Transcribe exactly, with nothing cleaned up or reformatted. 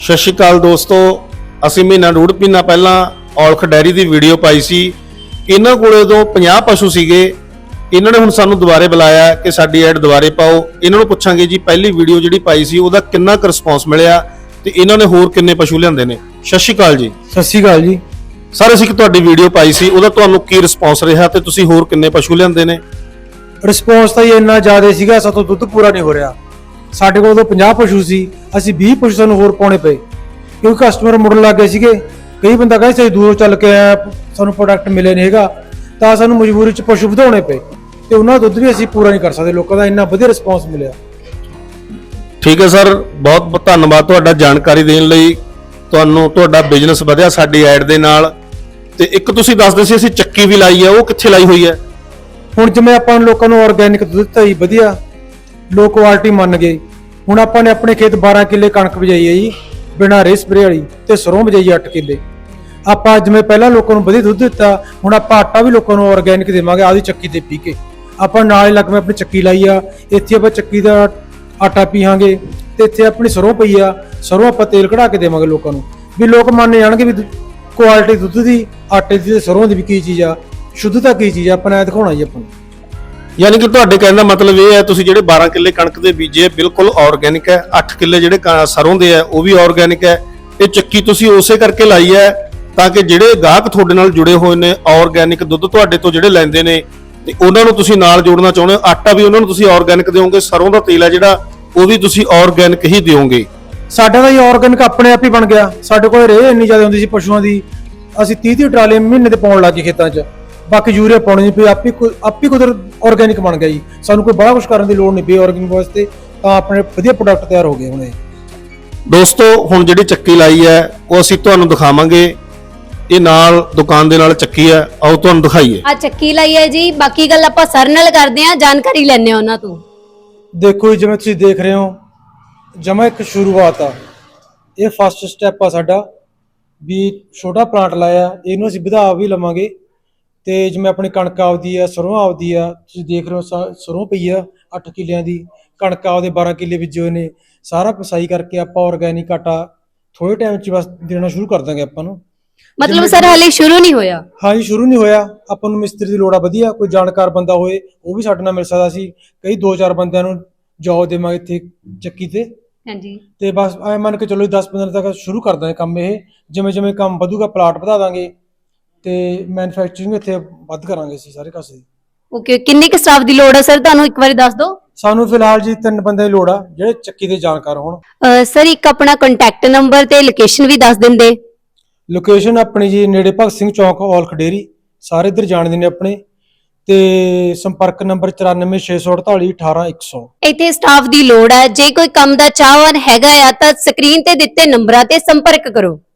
ਸਤਿ ਸ਼੍ਰੀ ਅਕਾਲ ਦੋਸਤੋ, ਅਸੀਂ ਮਹੀਨਾ ਡੂਢ ਮਹੀਨਾ ਪਹਿਲਾਂ ਔਲਖ ਡੈਰੀ ਦੀ ਵੀਡੀਓ ਪਾਈ ਸੀ। ਇਹਨਾਂ ਕੋਲੇ ਤੋਂ ਪੰਜਾਹ ਪਸ਼ੂ ਸੀਗੇ। ਇਹਨਾਂ ਨੇ ਹੁਣ ਸਾਨੂੰ ਦੁਬਾਰੇ ਬੁਲਾਇਆ ਕਿ ਸਾਡੀ ਐਡ ਦੁਬਾਰੇ ਪਾਓ। ਇਹਨਾਂ ਨੂੰ ਪੁੱਛਾਂਗੇ ਜੀ ਪਹਿਲੀ ਵੀਡੀਓ ਜਿਹੜੀ ਪਾਈ ਸੀ ਉਹਦਾ ਕਿੰਨਾ ਕੁ ਰਿਸਪੌਂਸ ਮਿਲਿਆ ਤੇ ਇਹਨਾਂ ਨੇ ਹੋਰ ਕਿੰਨੇ ਪਸ਼ੂ ਲਿਆਂਦੇ ਨੇ। ਸਤਿ ਸ਼੍ਰੀ ਅਕਾਲ ਜੀ। ਸਤਿ ਸ਼੍ਰੀ ਅਕਾਲ ਜੀ ਸਰ, ਅਸੀਂ ਤੁਹਾਡੀ ਵੀਡੀਓ ਪਾਈ ਸੀ ਉਹਦਾ ਤੁਹਾਨੂੰ ਕੀ ਰਿਸਪੌਂਸ ਰਿਹਾ ਤੇ ਤੁਸੀਂ ਹੋਰ ਕਿੰਨੇ ਪਸ਼ੂ ਲਿਆਂਦੇ ਨੇ? ਰਿਸਪੌਂਸ ਤਾਂ ਇਹ ਇੰਨਾ ਜ਼ਿਆਦਾ ਸੀਗਾ, ਸਾਤੋਂ ਦੁੱਧ ਪੂਰਾ ਨਹੀਂ ਹੋ ਰਿਹਾ। ਸਾਡੇ ਕੋਲ ਤਾਂ ਪੰਜਾਹ ਪਸ਼ੂ ਸੀ, ਅਸੀਂ ਵੀਹ ਪਸ਼ੂ ਸਾਨੂੰ ਹੋਰ ਪਾਉਣੇ ਪਏ ਕਿਉਂਕਿ ਕਸਟਮਰ ਮੁੜਨ ਲੱਗ ਗਏ ਸੀਗੇ। ਕਈ ਬੰਦਾ ਕਹਿੰਦੇ ਅਸੀਂ ਦੂਰੋਂ ਚੱਲ ਕੇ ਆਇਆ, ਸਾਨੂੰ ਪ੍ਰੋਡਕਟ ਮਿਲੇ ਨਹੀਂ ਹੈਗਾ, ਤਾਂ ਸਾਨੂੰ ਮਜਬੂਰੀ 'ਚ ਪਸ਼ੂ ਵਧਾਉਣੇ ਪਏ ਤੇ ਉਹਨਾਂ ਦਾ ਦੁੱਧ ਵੀ ਅਸੀਂ ਪੂਰਾ ਨਹੀਂ ਕਰ ਸਕਦੇ। ਲੋਕਾਂ ਦਾ ਇੰਨਾ ਵਧੀਆ ਰਿਸਪੌਂਸ ਮਿਲਿਆ। ਠੀਕ ਹੈ ਸਰ, ਬਹੁਤ ਬਹੁਤ ਧੰਨਵਾਦ ਤੁਹਾਡਾ ਜਾਣਕਾਰੀ ਦੇਣ ਲਈ। ਤੁਹਾਨੂੰ ਤੁਹਾਡਾ ਬਿਜ਼ਨਸ ਵਧਿਆ ਸਾਡੀ ਐਡ ਦੇ ਨਾਲ। ਤੇ ਇੱਕ ਤੁਸੀਂ ਦੱਸਦੇ ਸੀ ਅਸੀਂ ਚੱਕੀ ਵੀ ਲਾਈ ਹੈ, ਉਹ ਕਿੱਥੇ ਲਾਈ ਹੋਈ ਹੈ? ਹੁਣ ਜਿਵੇਂ ਆਪਾਂ ਲੋਕਾਂ ਨੂੰ ਆਰਗੈਨਿਕ ਦੁੱਧ ਦਿੱਤਾ ਜੀ, ਵਧੀਆ ਲੋ ਕੁਆਲਿਟੀ ਮੰਨ ਗਏ। ਹੁਣ ਆਪਾਂ ਨੇ ਆਪਣੇ ਖੇਤ ਬਾਰਾਂ ਕਿੱਲੇ ਕਣਕ ਬਜਾਈ ਹੈ ਜੀ, ਬਿਨਾਂ ਰੇ ਸਪਰੇ ਵਾਲੀ, ਤੇ ਸਰੋਂ ਬਜਾਈ ਅੱਠ ਕਿੱਲੇ। ਆਪਾਂ ਜਿਵੇਂ ਪਹਿਲਾਂ ਲੋਕਾਂ ਨੂੰ ਵਧੀਆ ਦੁੱਧ ਦਿੱਤਾ, ਹੁਣ ਆਪਾਂ ਆਟਾ ਵੀ ਲੋਕਾਂ ਨੂੰ ਆਰਗੈਨਿਕ ਦੇਵਾਂਗੇ ਆਦੀ ਚੱਕੀ ਤੇ ਪੀ ਕੇ। ਆਪਾਂ ਨਾਲ ਹੀ ਲੱਗਵੇਂ ਆਪਣੀ ਚੱਕੀ ਲਾਈ ਆ, ਇੱਥੇ ਆਪਾਂ ਚੱਕੀ ਦਾ ਆਟਾ ਪੀਵਾਂਗੇ ਤੇ ਇੱਥੇ ਆਪਣੀ ਸਰੋਂ ਪਈ ਆ, ਸਰੋਂ ਆਪਾਂ ਤੇਲ ਕਢਾ ਕੇ ਦੇਵਾਂਗੇ ਲੋਕਾਂ ਨੂੰ, ਵੀ ਲੋਕ ਮੰਨ ਜਾਣਗੇ ਵੀ ਕੁਆਲਿਟੀ ਦੁੱਧ ਦੀ, ਆਟੇ ਦੀ ਤੇ ਸਰੋਂ ਦੀ ਵੀ ਕੀ ਚੀਜ਼ ਆ, ਸ਼ੁੱਧਤਾ ਕੀ ਚੀਜ਼ ਆ। ਆਪਾਂ ਨੇ ਦਿਖਾਉਣਾ ਜੀ ਆਪਾਂ ਨੂੰ। ਯਾਨੀ ਕਿ ਤੁਹਾਡੇ ਕਹਿਣ ਦਾ ਮਤਲਬ ਇਹ ਹੈ ਤੁਸੀਂ ਜਿਹੜੇ ਬਾਰਾਂ ਕਿੱਲੇ ਕਣਕ ਦੇ ਬੀਜੇ ਬਿਲਕੁਲ ਆਰਗੈਨਿਕ ਹੈ, ਅੱਠ ਕਿੱਲੇ ਜਿਹੜੇ ਸਰੋਂ ਦੇ ਆ ਉਹ ਵੀ ਆਰਗੈਨਿਕ ਹੈ। ਇਹ ਚੱਕੀ ਤੁਸੀਂ ਉਸੇ ਕਰਕੇ ਲਾਈ ਹੈ ਤਾਂ ਕਿ ਜਿਹੜੇ ਗਾਹਕ ਤੁਹਾਡੇ ਨਾਲ ਜੁੜੇ ਹੋਏ ਨੇ ਆਰਗੈਨਿਕ ਦੁੱਧ ਤੁਹਾਡੇ ਤੋਂ ਜਿਹੜੇ ਲੈਂਦੇ ਨੇ ਤੇ ਉਹਨਾਂ ਨੂੰ ਤੁਸੀਂ ਨਾਲ ਜੋੜਨਾ ਚਾਹੁੰਦੇ ਹੋ। ਆਟਾ ਵੀ ਉਹਨਾਂ ਨੂੰ ਤੁਸੀਂ ਆਰਗੈਨਿਕ ਦਿਓਗੇ, ਸਰੋਂ ਦਾ ਤੇਲ ਹੈ ਜਿਹੜਾ ਉਹ ਵੀ ਤੁਸੀਂ ਆਰਗੈਨਿਕ ਹੀ ਦਿਓਗੇ। ਸਾਡਾ ਤਾਂ ਇਹ ਆਰਗੈਨਿਕ ਆਪਣੇ ਆਪ ਹੀ ਬਣ ਗਿਆ। ਸਾਡੇ ਕੋਲ ਰੇਹ ਇੰਨੀ ਜ਼ਿਆਦਾ ਹੁੰਦੀ ਸੀ ਪਸ਼ੂਆਂ ਦੀ, ਅਸੀਂ ਤੀਹ ਤੀਹ ਟਰਾਲੇ ਮਹੀਨੇ ਦੇ ਪਾਉਣ ਲੱਗ ਗਏ ਖੇਤਾਂ 'ਚ। ਬਾਕੀ ਯੂਰੀਆ ਪਾਉਣੀ ਨਹੀਂ ਪਈ, ਆਪੀ ਆਪੀ ਕੁਦਰ ਆਰਗੈਨਿਕ ਬਣ ਗਿਆ ਜੀ। ਸਾਨੂੰ ਕੋਈ ਬੜਾ ਕੁਝ ਕਰਨ ਦੀ ਲੋੜ ਨਹੀਂ ਪਈ ਆਰਗੈਨਿਕ ਵਾਸਤੇ, ਤਾਂ ਆਪਣੇ ਵਧੀਆ ਪ੍ਰੋਡਕਟ ਤਿਆਰ ਹੋ ਗਏ ਹੁਣ। ਇਹ ਦੋਸਤੋ ਹੁਣ ਜਿਹੜੀ ਚੱਕੀ ਲਾਈ ਹੈ ਉਹ ਅਸੀਂ ਤੁਹਾਨੂੰ ਦਿਖਾਵਾਂਗੇ। ਇਹ ਨਾਲ ਦੁਕਾਨ ਦੇ ਨਾਲ ਚੱਕੀ ਹੈ, ਆਓ ਤੁਹਾਨੂੰ ਦਿਖਾਈਏ। ਆ ਚੱਕੀ ਲਾਈ ਹੈ ਜੀ। ਬਾਕੀ ਗੱਲ ਆਪਾਂ ਸਰ ਨਾਲ ਕਰਦੇ ਆਂ, ਜਾਣਕਾਰੀ ਲੈਣੇ ਉਹਨਾਂ ਤੋਂ। ਦੇਖੋ ਜੀ, ਜਿਵੇਂ ਤੁਸੀਂ ਦੇਖ ਰਹੇ ਹੋ, ਜਮਾ ਇੱਕ ਸ਼ੁਰੂਆਤ ਆ। ਇਹ ਫਸਟ ਸਟੈਪ ਆ ਸਾਡਾ, ਵੀ ਛੋਟਾ ਪਲਾਂਟ ਲਾਇਆ, ਇਹਨੂੰ ਅਸੀਂ ਵਧਾ ਵੀ ਲਵਾਂਗੇ। ਤੇ ਜਿਵੇਂ ਆਪਣੀ ਕਣਕ ਆਪਦੀ ਆ, ਸਰੋਂ ਆਪਦੀ ਆ, ਤੁਸੀਂ ਦੇਖ ਰਹੇ ਹੋ ਸਰੋਂ ਪਈ ਆ ਅੱਠ ਕਿੱਲਿਆਂ ਦੀ, ਕਣਕ ਆਪਦੇ ਬਾਰਾਂ ਕਿੱਲੇ ਬੀਜੇ ਹੋਏ ਨੇ। ਸਾਰਾ ਪਸਾਈ ਕਰਕੇ ਆਪਾਂ ਆਰਗੈਨਿਕ ਆਟਾ ਥੋੜੇ ਟਾਈਮ 'ਚ ਬਸ ਦੇਣਾ ਸ਼ੁਰੂ ਕਰ ਦਾਂਗੇ ਆਪਾਂ ਨੂੰ। ਮਤਲਬ ਸਰ ਹਾਲੇ ਸ਼ੁਰੂ ਨਹੀਂ ਹੋਇਆ? ਹਾਂਜੀ, ਸ਼ੁਰੂ ਨਹੀਂ ਹੋਇਆ। ਆਪਾਂ ਨੂੰ ਮਿਸਤਰੀ ਦੀ ਲੋੜ ਆ, ਵਧੀਆ ਕੋਈ ਜਾਣਕਾਰ ਬੰਦਾ ਹੋਏ ਉਹ ਵੀ ਸਾਡੇ ਨਾਲ ਮਿਲ ਸਕਦਾ ਸੀ। ਕਈ ਦੋ ਚਾਰ ਬੰਦਿਆਂ ਨੂੰ ਜੌਬ ਦੇਵਾਂਗੇ ਇੱਥੇ ਚੱਕੀ ਤੇ। ਹਾਂਜੀ, ਤੇ ਬਸ ਐ ਮੰਨ ਕੇ ਚਲੋ ਦਸ ਪੰਦਰਾਂ ਤੱਕ ਸ਼ੁਰੂ ਕਰ ਦਾਂਗੇ ਕੰਮ। ਇਹ ਜਿਵੇਂ ਜਿਵੇਂ ਕੰਮ ਵਧੂਗਾ ਪਲਾਟ ਵਧਾ ਦਾਂਗੇ ਤੇ ਮੈਨੂਫੈਕਚਰਿੰਗ ਇੱਥੇ ਵੱਧ ਕਰਾਂਗੇ ਅਸੀਂ ਸਾਰੇ ਕਾਸੇ ਦੀ। ਓਕੇ, ਕਿੰਨੇ ਕੁ ਸਟਾਫ ਦੀ ਲੋੜ ਹੈ ਸਰ ਤੁਹਾਨੂੰ ਇੱਕ ਵਾਰੀ ਦੱਸ ਦਿਓ। ਸਾਨੂੰ ਫਿਲਹਾਲ ਜੀ ਤਿੰਨ ਬੰਦੇ ਦੀ ਲੋੜ ਆ ਜਿਹੜੇ ਚੱਕੀ ਦੇ ਜਾਣਕਾਰ ਹੋਣ। ਸਰ ਇੱਕ ਆਪਣਾ ਕੰਟੈਕਟ ਨੰਬਰ ਤੇ ਲੋਕੇਸ਼ਨ ਵੀ ਦੱਸ ਦਿੰਦੇ। ਲੋਕੇਸ਼ਨ ਆਪਣੀ ਜੀ ਨੇੜੇ ਭਗਤ ਸਿੰਘ ਚੌਂਕ, ਔਲਖ ਡੇਅਰੀ, ਸਾਰੇ ਇੱਧਰ ਜਾਣਦੇ ਨੇ ਆਪਣੇ। ਤੇ ਸੰਪਰਕ ਨੰਬਰ ਚੁਰਾਨਵੇਂ ਛੇ ਸੌ ਅੜਤਾਲੀ ਅਠਾਰਾਂ ਇੱਕ ਸੌ। ਇੱਥੇ ਸਟਾਫ ਦੀ ਲੋੜ ਹੈ। ਜੇ ਕੋਈ ਕੰਮ ਦਾ ਚਾਹਵਾਨ ਹੈਗਾ ਆ ਤਾਂ ਸਕਰੀਨ ਤੇ ਦਿੱਤੇ ਨੰਬਰਾਂ ਤੇ ਸੰਪਰਕ ਕਰੋ।